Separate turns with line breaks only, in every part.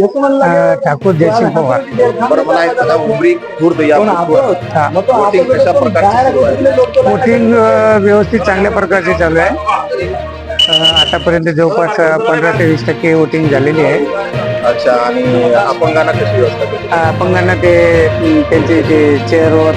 ठाकूर जयसिंग पवार.
बरं, मला एक सांगा, उमरी खुर्द या बुथवर वोटिंग कशा प्रकारची सुरू आहे?
वोटिंग व्यवस्थित चांगल्या प्रकारचे चालू आहे. आतापर्यंत जवळपास 15 ते 20% वोटिंग झालेली आहे.
अच्छा, आणि अपंगांना कशी व्यवस्था केली?
अपंगांना ते त्यांचे जे चेअरवर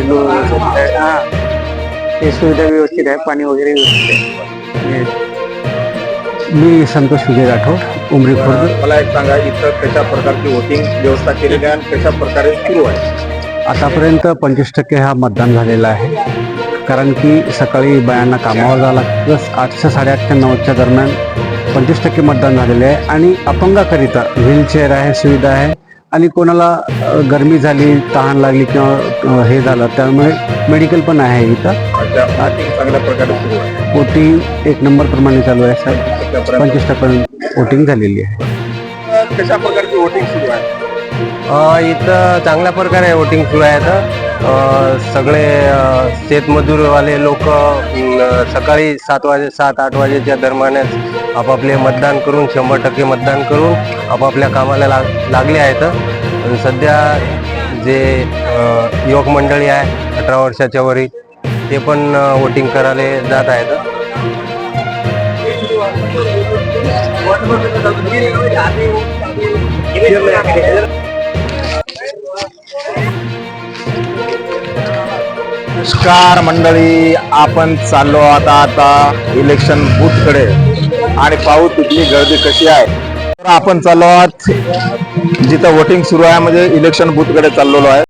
ते सुविधा व्यवस्थित आहे, पाणी वगैरे व्यवस्थित आहे. मी संतोष विजय राठोड, उमरी खुर्द.
मला एक सांगा, इथं कशा प्रकारची वोटिंग व्यवस्था केलेली आहे आणि कशा प्रकारे सुरू आहे?
आतापर्यंत 25% हा मतदान झालेला आहे. कारण की सकाळी बायांना कामावर जावं लागतं. 8 साडेआठ ते 9च्या दरम्यान 25% मतदान झालेले आहे. आणि अपंगाकरिता व्हीलचेअर आहे, सुविधा आहे. आणि कोणाला गरमी झाली, तहान लागली किंवा हे झालं त्यामुळे मेडिकल पण आहे इथं.
अच्छा, वोटिंग चांगल्या प्रकारे सुरू आहे.
वोटिंग 1 नंबर प्रमाणे चालू आहे साहेब. 25% वोटिंग झालेली आहे.
कशा प्रकारची वोटिंग सुरू आहे?
इथं चांगल्या प्रकारे वोटिंग सुरू आहे. सगळे शेतमजूरवाले लोक सकाळी 7-8 वाजेच्या दरम्यानच आपापले मतदान करून 100% मतदान करून आपापल्या कामाला लागले आहेत. आणि सध्या जे युवक मंडळी आहे 18 वर्षाच्या वरील ते पण वोटिंग करायला जात आहेत.
नमस्कार मंडळी, आपण चाललो आता इलेक्शन बूथ कडे आणि पाहू तिथली गर्दी कशी आहे. तर आपण चाललो आहोत जिथं वोटिंग सुरू आहे, म्हणजे इलेक्शन बूथ कडे चाललेलो आहे.